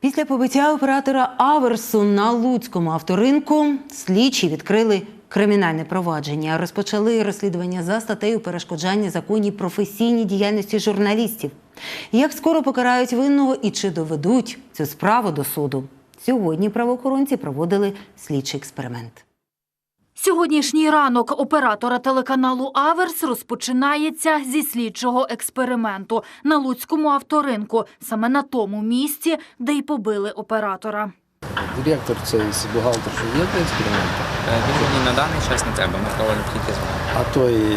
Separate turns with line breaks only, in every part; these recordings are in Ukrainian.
Після побиття оператора Аверсу на Луцькому авторинку слідчі відкрили кримінальне провадження. Розпочали розслідування за статтею перешкоджання законній професійній діяльності журналістів. Як скоро покарають винного і чи доведуть цю справу до суду? Сьогодні правоохоронці проводили слідчий експеримент.
Сьогоднішній ранок оператора телеканалу «Аверс» розпочинається зі слідчого експерименту на Луцькому авторинку, саме на тому місці, де й побили оператора.
Директор цей бухгалтер, що є для експерименту?
Він мені на даний час не треба, ми проводимо тільки з вами.
А той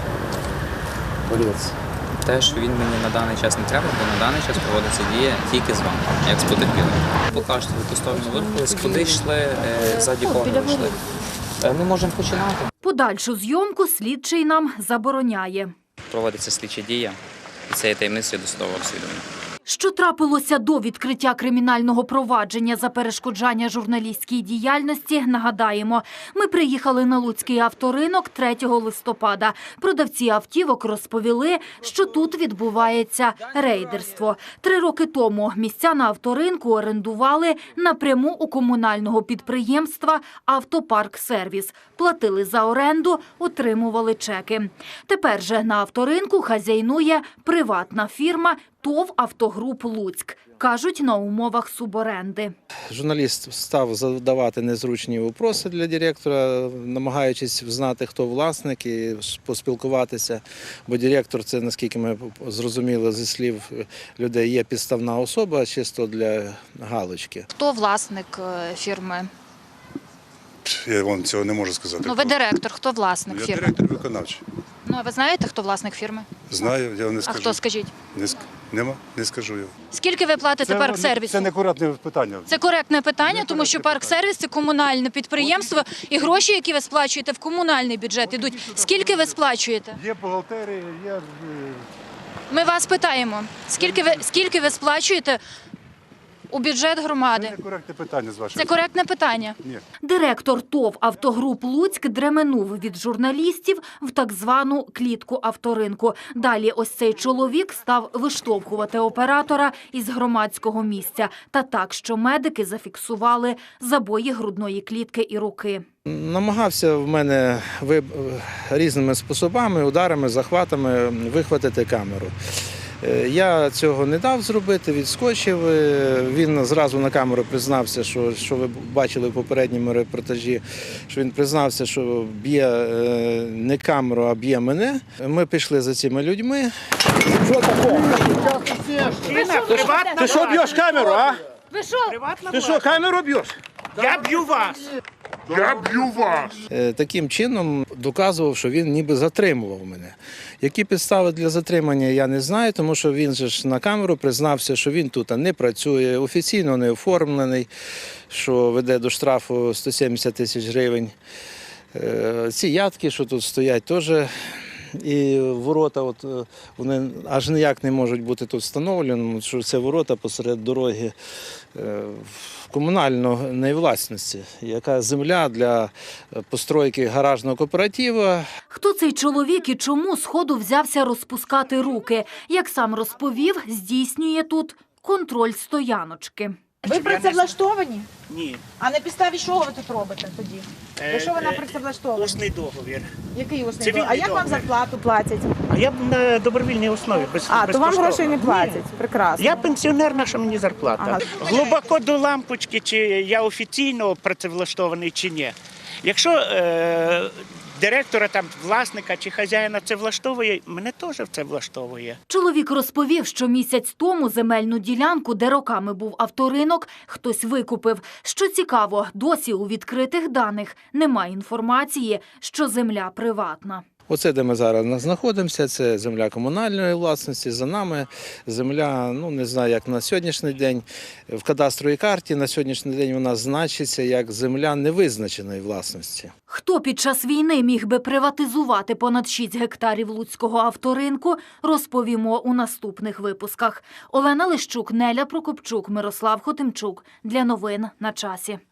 борець?
Те, що він мені на даний час не треба, бо на даний час проводиться дія тільки з вами, як з потерпілим. Покажете, в ту сторону вирухались, куди йшли, ззаді кого ви йшли. Ми можемо починати.
Подальшу зйомку слідчий нам забороняє.
Проводиться слідча дія, і це є таємницею досудового розслідування.
Що трапилося до відкриття кримінального провадження за перешкоджання журналістській діяльності, нагадаємо. Ми приїхали на Луцький авторинок 3 листопада. Продавці автівок розповіли, що тут відбувається рейдерство. 3 роки тому місця на авторинку орендували напряму у комунального підприємства «Автопарксервіс». Платили за оренду, отримували чеки. Тепер же на авторинку хазяйнує приватна фірма ТОВ «Автогруп Луцьк». Кажуть, на умовах суборенди.
Журналіст став задавати незручні питання для директора, намагаючись знати, хто власник і поспілкуватися. Бо директор – це, наскільки ми зрозуміли зі слів людей, є підставна особа, чисто для галочки.
Хто власник фірми?
Я вам цього не можу сказати.
Ну, ви директор, хто власник
Я
фірми?
директор виконавчий.
Ну, а ви знаєте, хто власник фірми?
Знаю, я вам не
А
скажу.
хто, скажіть?
Не скажу я.
Скільки ви платите парксервісу?
Це некоректне питання.
Це коректне питання, тому що парксервіс – це комунальне підприємство, і гроші, які ви сплачуєте в комунальний бюджет, ідуть. Скільки ви сплачуєте?
Є бухгалтерія, є...
Ми вас питаємо, скільки ви сплачуєте у бюджет громади?
Це некоректне питання з вашої
Це коректне питання.
Ні.
Директор ТОВ «Автогруп Луцьк» дременув від журналістів в так звану клітку авторинку. Далі ось цей чоловік став виштовхувати оператора із громадського місця. Та так, що медики зафіксували забої грудної клітки і руки.
Намагався в мене різними способами, ударами, захватами вихватити камеру. Я цього не дав зробити, відскочив. Він зразу на камеру признався, що ви бачили в попередньому репортажі, що він признався, що б'є не камеру, а б'є мене. Ми пішли за цими людьми.
Що таке? Ти що б'єш камеру, а?
Ви що?
Ти що, камеру б'єш? Я б'ю вас.
Таким чином доказував, що він ніби затримував мене. Які підстави для затримання, я не знаю, тому що він же ж на камеру признався, що він тут не працює, офіційно не оформлений, що веде до штрафу 170 тисяч гривень. Ці ядки, що тут стоять, теж і ворота, вони аж ніяк не можуть бути тут встановлені, що це ворота посеред дороги комунальної власності, яка земля для постройки гаражного кооперативу.
Хто цей чоловік і чому сходу взявся розпускати руки? Як сам розповів, здійснює тут контроль стояночки.
Ви працевлаштовані?
Ні.
А на підставі чого ви тут робите тоді? За що ви на працевлаштовані?
Усний договір.
Який усний
Цивільний
договір? А як вам
договір.
зарплату платять?
А я на добровільній основі,
То вам
безкоштовно.
грошей не платять?
Ні.
Прекрасно.
Я пенсіонер, наша мені зарплата.
Ага.
Глибоко до лампочки, чи я офіційно працевлаштований, чи ні. Якщо директора, там, власника чи хазяїна це влаштовує, мене теж це влаштовує.
Чоловік розповів, що місяць тому земельну ділянку, де роками був авторинок, хтось викупив. Що цікаво, досі у відкритих даних немає інформації, що земля приватна.
Оце, де ми зараз знаходимося, це земля комунальної власності, за нами земля, не знаю, як на сьогоднішній день, в кадастровій карті на сьогоднішній день вона значиться як земля невизначеної власності.
Хто під час війни міг би приватизувати понад 6 гектарів Луцького авторинку, розповімо у наступних випусках. Олена Лищук, Неля Прокопчук, Мирослав Хотимчук. Для новин на часі.